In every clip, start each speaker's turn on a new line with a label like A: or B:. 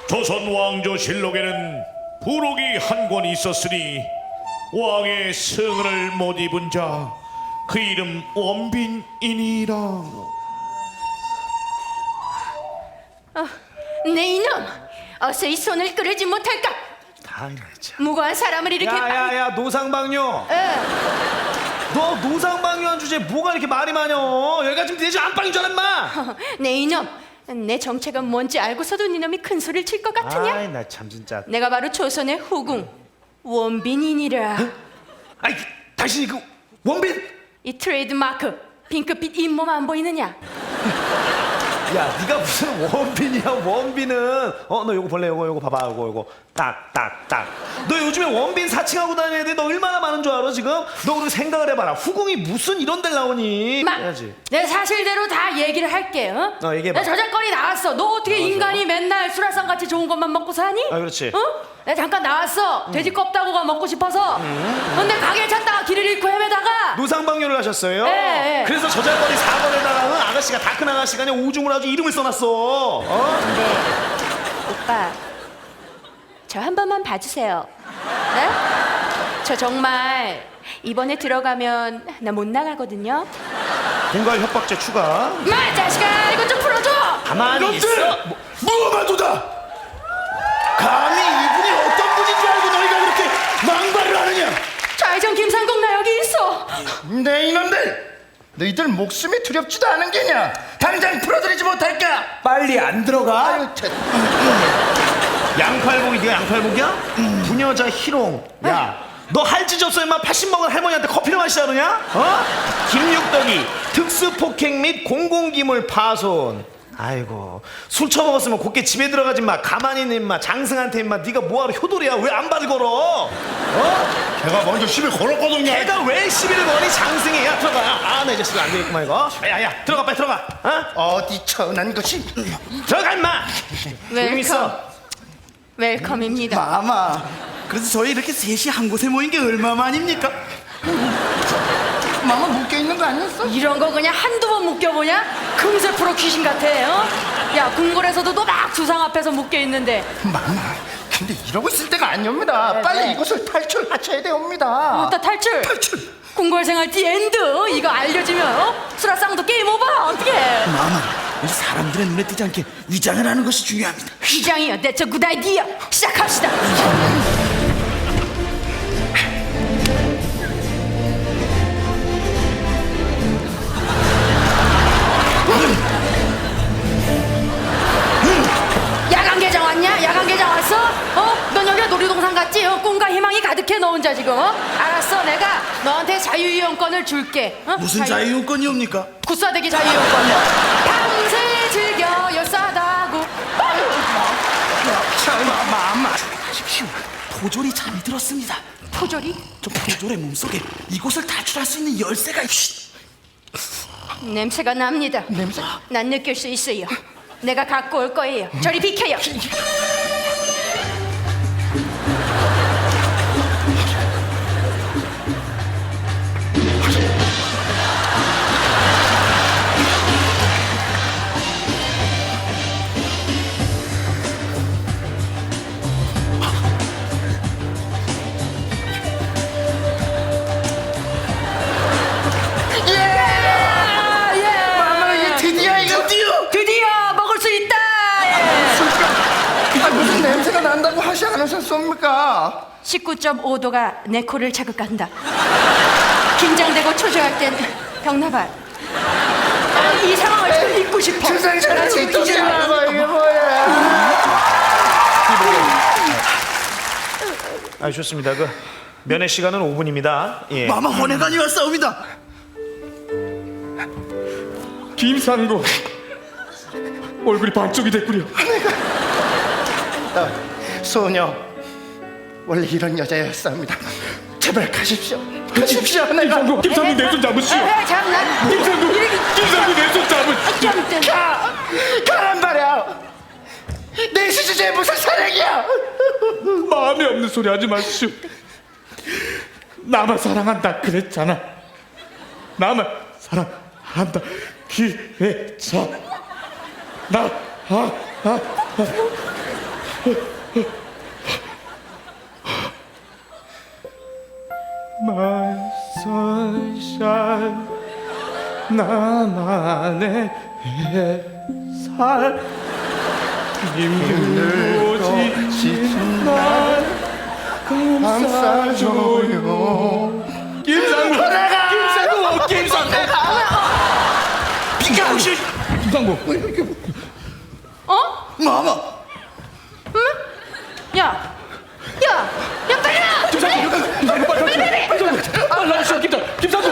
A: 조선 왕조실록에는 부록이 한 권 있었으니 왕의 승을 못 입은 자 그 이름 원빈이니라.
B: 내 이놈, 어서 이 손을 끌지 못할까? 무고한 사람을 이렇게
C: 야야야 노상방뇨. 너 노상방뇨한 주제에 뭐가 이렇게 말이 많여? 여기가 지금 내 집 안방인 줄 알아 인마.
B: 내 이놈, 내 정체가 뭔지 알고서도 네 놈이 큰 소리를 칠 것 같으냐?
C: 아이 나 참 진짜.
B: 내가 바로 조선의 후궁 원빈이니라.
C: 아이 당신이 그 원빈?
B: 이 트레이드 마크 핑크빛 잇몸 안 보이느냐?
C: 야 네가 무슨 원빈이야 원빈은. 너 요거 볼래? 요거 봐봐. 요거 딱딱딱. 너 요즘에 원빈 사칭하고 다니는 애들 너 얼마나 많은 줄 알아 지금? 너 그리고 생각을 해봐라. 후궁이 무슨 이런 데를 나오니? 해야지.
B: 내 사실대로 다 얘기를 할게.
C: 얘기해봐.
B: 내 저작거리 나왔어. 너 어떻게 인간이 맨날 수라상 같이 좋은 것만 먹고 사니?
C: 그렇지.
B: 내가 잠깐 나왔어. 돼지 껍다구가 먹고 싶어서. 근데 가게 찾다가 길을 잃고 헤매다가
C: 노상방뇨를 하셨어요?
B: 예.
C: 그래서 저작거리 4번에다가 아가씨가 다 큰 아가씨가 그냥 오줌을 아주 이름을 써놨어.
B: 근데 오빠 저 한 번만 봐주세요. 네? 저 정말 이번에 들어가면 나 못 나가거든요.
C: 공갈 협박죄 추가.
B: 마 자식아 이거 좀 풀어줘.
C: 가만히 있어.
D: 무엄하도다. 감히 이분이 어떤 분인 줄 알고 너희가 그렇게 망발을 하느냐?
B: 좌회전 김상국 나 여기 있어.
D: 내 이놈들, 너희들 목숨이 두렵지도 않은 게냐? 당장 풀어드리지 못할까?
C: 빨리 안 들어가.
D: 아유,
C: 양팔복이 네가 양팔복이야? 부녀자 희롱. 야, 너 할 짓 없어 임마. 80 먹은 할머니한테 커피를 마시자 그러냐? 김육덕이 특수폭행 및 공공기물 파손. 아이고 술 처먹었으면 곱게 집에 들어가지 마. 가만히 있는 임마. 장승한테 임마 네가 뭐하러 효도리야. 왜 안 발을 걸어?
D: 걔가 먼저 시비 걸었거든요.
C: 걔가 왜 시비를 거니? 장승이. 야 들어가. 나 이 자식 안 되겠구만 이거. 야야 들어가 빨리 들어가.
D: 어디 천한 것이?
C: 들어가 임마. 조용히 있어.
B: 웰컴입니다.
D: 마마, 그래서 저희 이렇게 셋이 한 곳에 모인 게 얼마만입니까? 마마 묶여있는 거 아니었어?
B: 이런 거 그냥 한두 번 묶여보냐? 금세 프로 귀신 같아. 야 궁궐에서도 너 막 주상 앞에서 묶여있는데.
D: 마마, 근데 이러고 있을 때가 아니옵니다.
B: 네,
D: 빨리
B: 네.
D: 이곳을 탈출하셔야 되옵니다.
B: 나 탈출. 궁궐 생활 디엔드 이거 알려지면 수라상도 게임 오버. 어떡해.
D: 마마, 우리 사람들의 눈에 띄지 않게 위장을 하는 것이 중요합니다.
B: 휘장이요. That's a good idea. 시작합시다. 야간 개장 왔냐? 야간 개장 왔어? 넌 여기가 놀이동산 같지? 꿈과 희망이 가득해 너 혼자 지금. 알았어, 내가 너한테 자유이용권을 줄게.
D: 무슨 자유용권이옵니까?
B: 구사대기 자유이용권. 밤새 즐겨 열사다구.
D: 마마, 하십시오. 포졸이 잠이 들었습니다.
B: 포졸이?
D: 저 포졸의 몸속에 이곳을 탈출할 수 있는 열쇠가
B: 냄새가 납니다.
D: 냄새?
B: 난 느낄 수 있어요. 내가 갖고 올 거예요. 저리 비켜요.
D: 마마, 이게
B: 드디어 먹을 수 있다.
D: 무슨 냄새가 난다고 하지 않으셨습니까?
B: 19.5도가 내 코를 자극한다. 긴장되고 초조할 땐 병나발. 이 상황을 좀 잊고 싶어.
D: 세상에
B: 나 지금 기절하고.
D: 이게 뭐야?
C: 좋습니다. 그 면회 시간은 5분입니다. 예.
D: 마마 혼외관이 왔사옵니다.
A: 김상국 얼굴이 반쪽이 됐구려.
D: 소녀, 원래 이런 여자였습니다. 제발 가십시오. 가십시오. 내가
A: 김상국 내 손 잡으시오.
B: 참나.
A: 김상국 내 손 잡으시오.
D: 가란 말이야. 내 시주제에 무슨 사랑이야?
A: 마음에 없는 소리 하지 마시오. 나만 사랑한다 그랬잖아. 나만 사랑한다. 기회차. My sunshine 나만의 햇살 힘들고 지친 날 감싸줘요. 김상국
D: 비켜 혹시
A: 김상국
B: 어?
D: 마마
B: 야, 빨리 와!
A: 빨리 나오시오. 김상국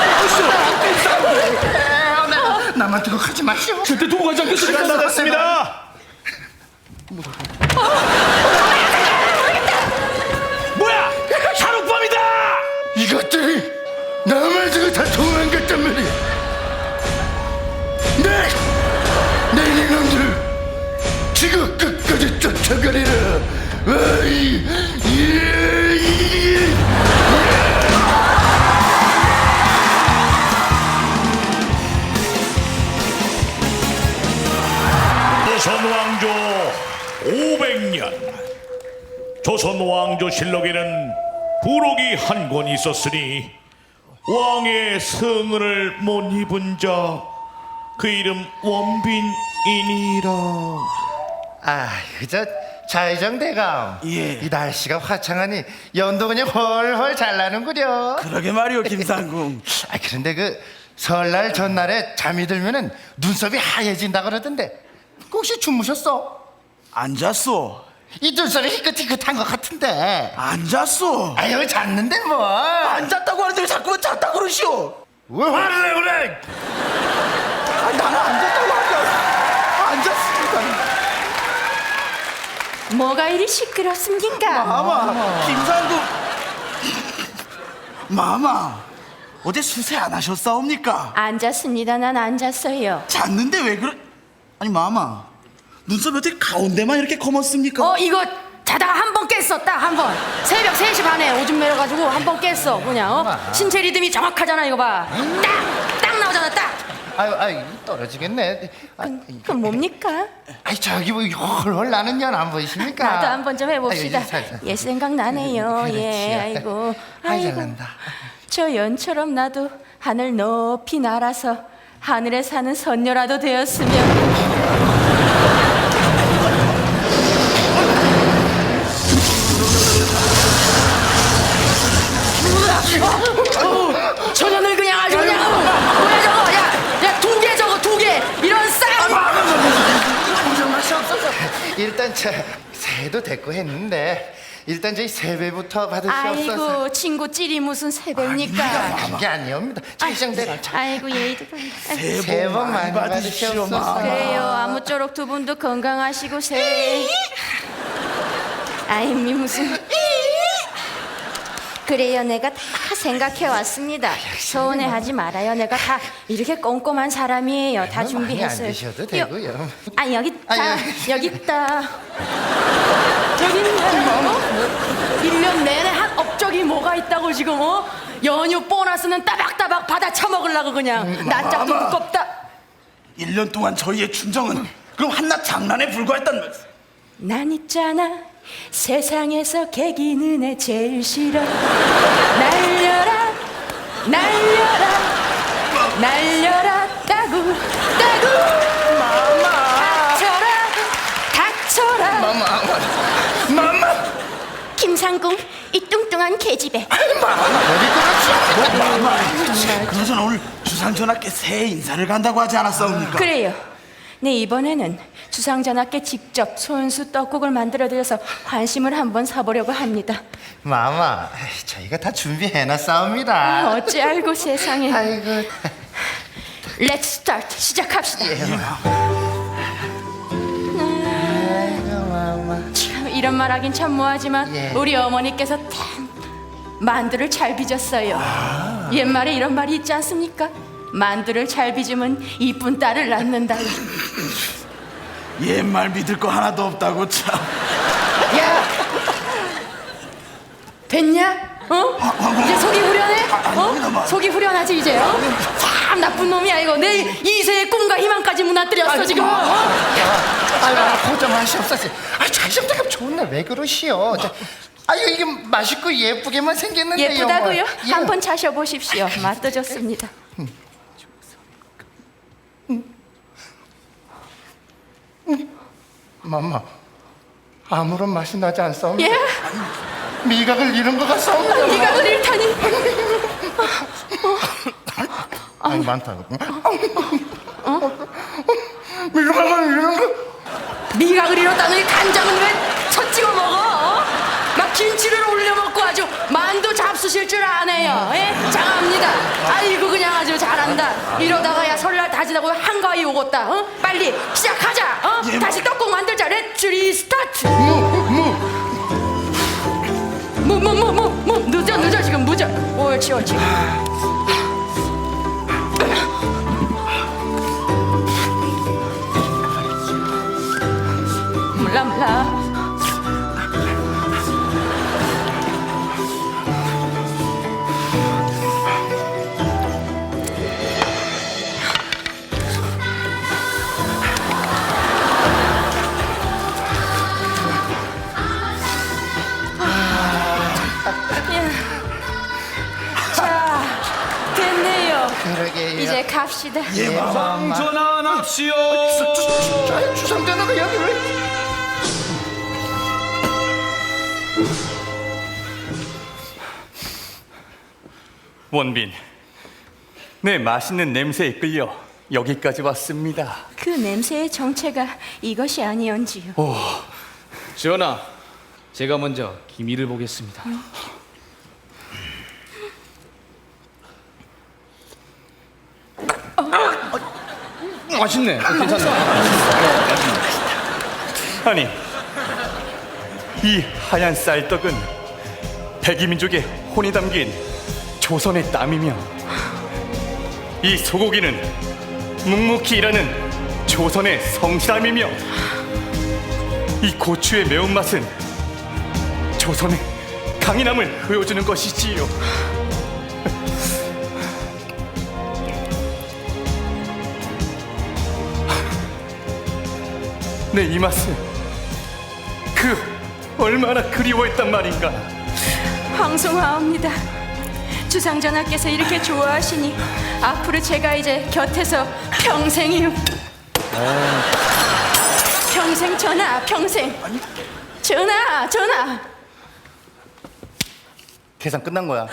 D: 나만 두고 가지 마시오.
A: 절대 두고 가지 않겠습니다.
C: 시간 다 됐습니다. 뭐야? 샤룩밤이다.
D: 이것들이 나만 두고 다 도망갔단 말이야. 내 이놈들 지구 끝까지 쫓아가리라. 어이,
E: 조선 왕조 500년. 조선 왕조 실록에는 부록이 한 권 있었으니 왕의 성을 못 입은 자 그 이름 원빈이니라.
F: 아, 그저 자의정대감.
D: 예.
F: 이 날씨가 화창하니 연도 그냥 헐헐 잘 나는구려.
D: 그러게 말이오 김상궁.
F: 아, 그런데 그 설날 전날에 잠이 들면은 눈썹이 하얘진다 그러던데 혹시 주무셨어?
D: 안 잤소.
F: 이 눈썹이 희끗희끗한 것 같은데.
D: 안 잤소.
F: 아유, 잤는데 뭐.
D: 안 잤다고 하는데 왜 자꾸 잤다고 그러시오.
F: 왜 화를 내 그래?
D: 아니, 나는 안 잤다고 하니까 안 잤습니다.
B: 뭐가 이리 시끄럽습니까?
D: 마마, 김상국. 마마, 어제 수세 안 하셨사옵니까?
B: 안 잤습니다. 난 안 잤어요.
D: 잤는데 왜 그래? 아니 마마, 눈썹이 어떻게 가운데만 이렇게 검었습니까?
B: 이거 자다가 한 번 깼었다. 한 번. 새벽 3시 반에 오줌 매려가지고 한 번 깼어. 그냥 신체 리듬이 정확하잖아. 이거 봐. 딱 나오잖아. 딱.
F: 아유, 떨어지겠네.
B: 그건 뭡니까?
F: 아이, 저기 뭐 헐헐 나는 연 안 보이십니까?
B: 나도 한번 좀 해봅시다.
F: 아유, 살살.
B: 옛 생각 나네요.
F: 그렇지.
B: 예, 아이고,
F: 아이, 잘난다.
B: 저 연처럼 나도 하늘 높이 날아서 하늘에 사는 선녀라도 되었으면. 전현을 그냥 아주 그냥 뭐야 저거 야 2개 저거 2개 이런 쌍
F: 일단 새도 됐고 했는데 일단 저희 세배부터 받으시옵소서.
B: 아이고 친구 찔이 무슨 세배입니까?
F: 그게 아니옵니다. 자의정대감
B: 아이고 예의도
F: 새해 복 많이 받으시옵소서.
B: 그래요 아무쪼록 두 분도 건강하시고 새해 아임이 무슨 그래요 내가 다 생각해 왔습니다. 서운해하지 말아요. 내가 다 이렇게 꼼꼼한 사람이에요. 다 준비했어요.
F: 많이 안 드셔도 되고요.
B: 아 여기 있다.
F: 아니,
B: 여기 있다. 저기 있네. 뭐? 1년 내내 한 업적이 뭐가 있다고 지금 연휴 보너스는 따박따박 받아 처먹으려고 그냥 낯짝도
D: 마마.
B: 두껍다.
D: 1년 동안 저희의 충정은 그럼 한낱 장난에 불과했단 말씀.
B: 난 있잖아 세상에서 개기는 애 제일 싫어. 날려라 날려라 날려라 따구 닥쳐라 닥쳐라
D: 마마,
B: 김상궁 이 뚱뚱한 계집애.
D: 마마. 그나저나 오늘 주상전하께 새해 인사를 간다고 하지 않았사옵니까?
B: 그래요. 네 이번에는 주상전하께 직접 손수 떡국을 만들어드려서 관심을 한번 사보려고 합니다.
F: 마마, 저희가 다 준비해놨사옵니다.
B: 어찌 알고 세상에.
F: 아이고.
B: Let's start. 시작합시다.
F: 아이고, 마마.
B: 참 이런 말 하긴 참 뭐하지만
F: 예.
B: 우리 어머니께서 참 만두를 잘 빚었어요. 옛말에 이런 말이 있지 않습니까? 만두를 잘 빚으면 이쁜 딸을 낳는다.
D: 옛말 믿을 거 하나도 없다고 참.
B: 야 됐냐? 이제 속이 후련해?
D: 아닙니다, 마.
B: 속이 후련하지 이제? 참 나쁜 놈이야 이거. 내 이세의 꿈과 희망까지 무너뜨렸어 지금.
F: 아유, 고정하시옵소서. 자기성대가 좋네. 왜 그러시오? 아유, 이게 맛있고 예쁘게만 생겼는데요.
B: 예쁘다고요?
F: 뭐. 예.
B: 한번 차셔보십시오. 맛도 좋습니다.
F: 맘마, 아무런 맛이 나지 않사옵니다.
B: 예?
F: 미각을 잃은 것 같사옵니다.
B: 미각을 잃다니.
F: 아니, 많다. 미각을 잃은 것.
B: 미각을 잃었다더니 간장은 왜 첫 찍어 먹어? 어? 막 김치를 올려 먹고 아주 만두 잡수실 줄 아네요. 예? 장합니다. 아이고 그냥 아주 잘한다. 이러다가야 설날 다 지나고 한가위 오겠다. 어? 빨리 시작하자. 어? 다시 떡국 만들자. 렛츠 리스타트. 늦어 지금 늦어. 옳지. 몰라. 자, 됐네요.
F: 그러게요.
B: 이제 갑시다.
A: 상전환합시오.
F: 주상전화가 여기 왜?
G: 원빈, 내 맛있는 냄새에 끌려 여기까지 왔습니다.
B: 그 냄새의 정체가 이것이 아니온지요.
A: 전하, 제가 먼저 기미를 보겠습니다. 맛있네. 괜찮네.
G: 아니, 이 하얀 쌀떡은 백이민족의 혼이 담긴 조선의 땀이며, 이 소고기는 묵묵히 일하는 조선의 성실함이며, 이 고추의 매운맛은 조선의 강인함을 보여주는 것이지요. 내 이 맛을 얼마나 그리워했단 말인가.
B: 황송하옵니다. 주상전하께서 이렇게 좋아하시니 앞으로 제가 이제 곁에서 평생 전하 평생. 전하.
G: 계산 끝난 거야.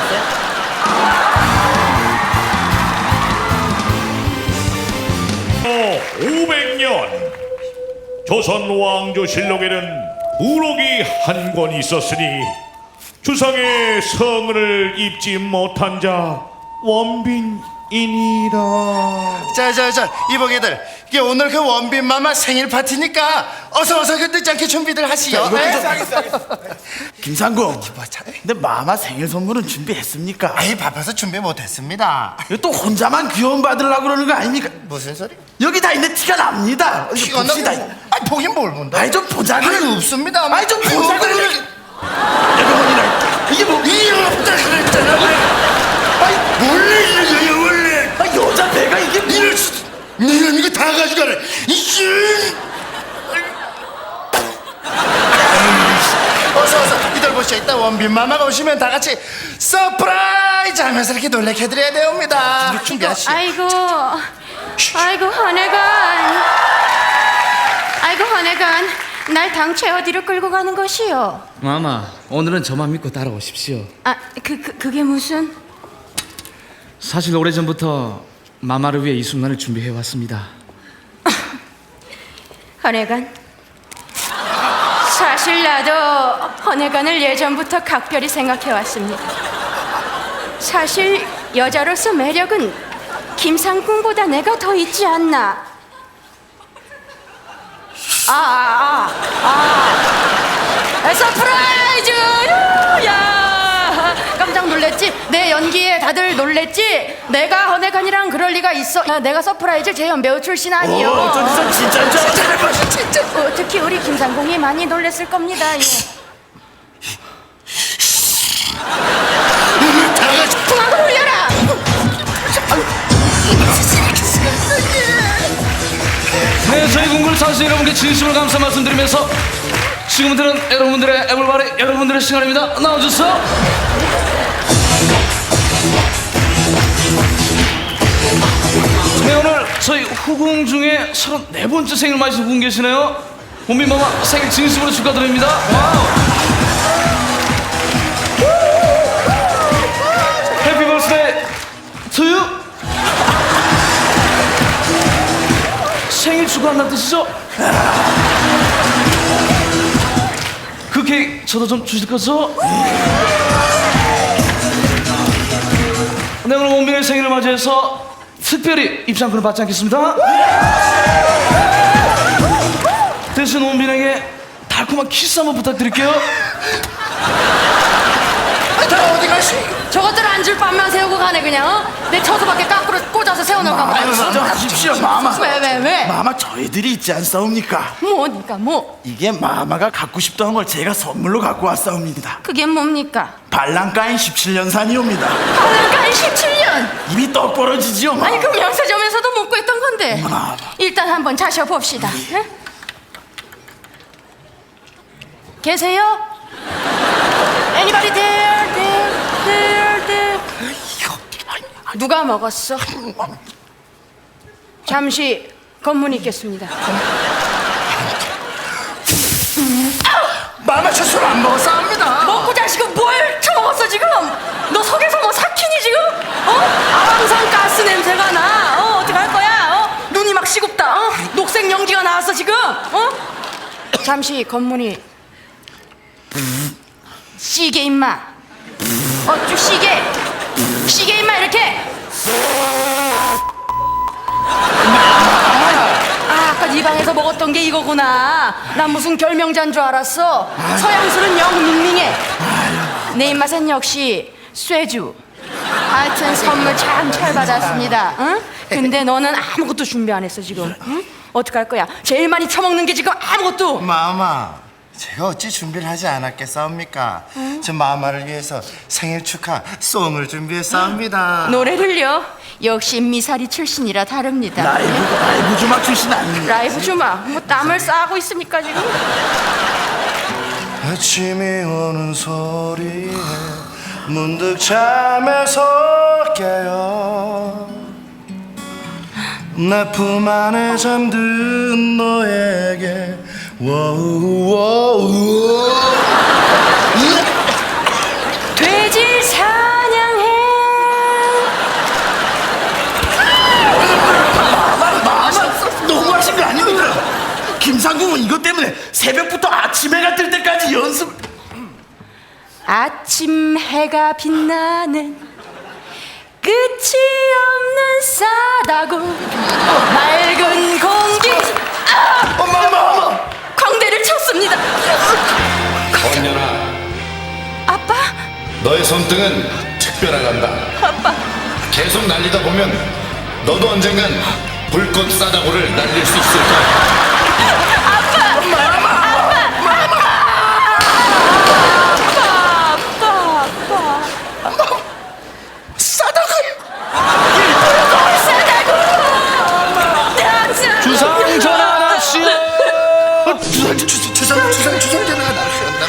E: 500년 조선 왕조실록에는 부록이 한 권 있었으니 주상의 성을 입지 못한 자 원빈이니라.
F: 자, 이보게들, 이게 오늘 그 원빈 마마 생일 파티니까 어서 그 늦지 않게 준비들 하시오.
D: 김상궁, 근데 마마 생일 선물은 준비했습니까?
F: 아이, 바빠서 준비 못했습니다.
D: 이거 또 혼자만 귀여움 받으려고 그러는 거 아닙니까?
F: 무슨 소리?
D: 여기 다 있는 티가 납니다.
F: 티가
D: 봅시다.
F: 나고? 아니, 보긴 뭘 본다.
D: 아이 좀 보자고.
F: 아니, 없습니다.
D: 아이 좀 보자고. 이게 뭐?
F: 이 없다 그랬잖아. 아이, 원래 이런 거야, 원래.
D: 아, 여자 배가 이게
F: 이럴 수, 이런 이거 다 가져가래. 이씨. 어서 이들 보시오. 이따 원빈 마마가 오시면 다 같이 서프라이즈 하면서 이렇게 놀래켜드려야 됩니다. 준비하시오.
B: 아이고 헌혜관, 날 당최 어디로 끌고 가는 것이요?
A: 마마, 오늘은 저만 믿고 따라오십시오.
B: 그게 무슨?
A: 사실 오래전부터 마마를 위해 이 순간을 준비해 왔습니다.
B: 헌혜관, 사실 나도 헌혜관을 예전부터 각별히 생각해 왔습니다. 사실 여자로서 매력은 김상궁보다 내가 더 있지 않나? 서프라이즈! 야, 깜짝 놀랬지? 내 연기에 다들 놀랬지? 내가 헌혜관이랑 그럴 리가 있어? 내가 서프라이즈 재연 배우 출신 아니요.
D: 저 진짜
B: 진짜. 특히 우리 김상궁이 많이 놀랬을 겁니다. 예. 풍악을 울려라!
A: 네, 저희 궁글 사수 여러분께 진심으로 감사 말씀드리면서 지금부터는 여러분들의 애물바리 여러분들의 시간입니다. 나와주세요. 네, 오늘 저희 후궁 중에 34번째 생일 맞으신 분 계시네요. 본빈마마 생일 진심으로 축하드립니다. 와우. 해피 버스데이 투 유. 생일 축하한다는 뜻이죠? 그 케이크 저도 좀 주실 거죠? 네, 오늘 원빈의 생일을 맞이해서 특별히 입장권을 받지 않겠습니다. 대신 원빈에게 달콤한 키스 한번 부탁드릴게요.
F: 어디 가시?
B: 저것들 앉을 밤만 세우고 가네 그냥. 어? 내 처소밖에 거꾸로 꽂아서 세워놓을까 봐.
D: 인정하십시오 마마.
B: 왜?
D: 마마 저희들이 있지 않사옵니까?
B: 뭐니까 뭐?
D: 이게 마마가 갖고 싶던 걸 제가 선물로 갖고 왔사옵니다.
B: 그게 뭡니까?
D: 발랑가인 17년산이옵니다.
B: 발랑가인 17년.
D: 입이 떡 벌어지지요 마마.
B: 아니 그 명세점에서도 못 구했던 건데.
D: 마마.
B: 일단 한번 자셔봅시다. 응? 계세요? Anybody there? there? 누가 먹었어? 잠시 검문이 있겠습니다.
D: 마마 저 술 안 먹었사옵니다.
B: 먹고 자식은 뭘 처먹었어 지금? 너 속에서 뭐 삭히니 지금? 아황산 가스 냄새가 나. 어떡할 거야? 눈이 막 시급다. 녹색 연기가 나왔어 지금. 잠시 검문이. 시계 임마. 쭉 시계 임마 이렇게. 아까 네 방에서 먹었던 게 이거구나. 난 무슨 결명자인 줄 알았어. 서양술은 영 밍밍해. 내 입맛엔 역시 쇠주. 하여튼 선물 참 잘 받았습니다. 응? 근데 너는 아무것도 준비 안 했어 지금. 응? 어떡할 거야? 제일 많이 처먹는 게 지금 아무것도.
F: 마마, 제가 어찌 준비를 하지 않았겠사옵니까? 저 마마를 위해서 생일 축하 송을 준비했사옵니다.
B: 노래를요? 역시 미사리 출신이라 다릅니다.
D: 라이브 주막 출신 아닙니까?
B: 라이브 주마. 뭐 땀을 싸고 있습니까 지금?
F: 아침이 오는 소리에 문득 잠에서 깨어 내 품 안에 잠든 너에게
B: 돼지 사냥해.
D: 너무하신 거 아닙니까? 김상궁은 이것 때문에 새벽부터 아침 해가 뜰 때까지 연습.
B: 아침 해가 빛나는 끝이 없는 싸다구 맑은 공기.
D: 엄마.
B: 광대를 쳤습니다.
H: 언년아,
B: 아빠?
H: 너의 손등은 특별하단다.
B: 아빠.
H: 계속 날리다 보면 너도 언젠간 불꽃 싸다구를 날릴 수 있을 거야.
A: 주상 전화 납시오.
F: 주상 전화가 나왔다.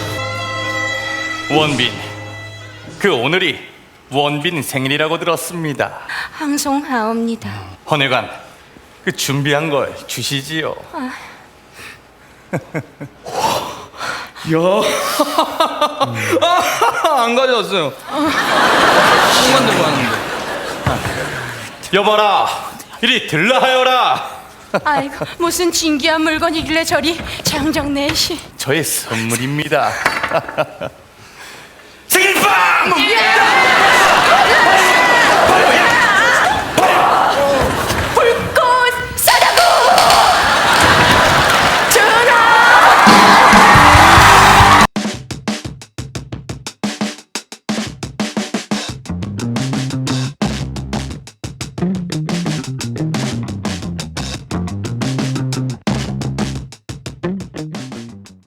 G: 원빈, 그 오늘이 원빈 생일이라고 들었습니다.
B: 항송하옵니다.
G: 헌혜관, 그 준비한 걸 주시지요.
A: 안 가져왔어요. 한만 들고 왔는데.
G: 여봐라, 이리 들라하여라.
B: 아이고 무슨 진귀한 물건이길래 저리 장정내시.
G: 저의 선물입니다.
D: 생일빵!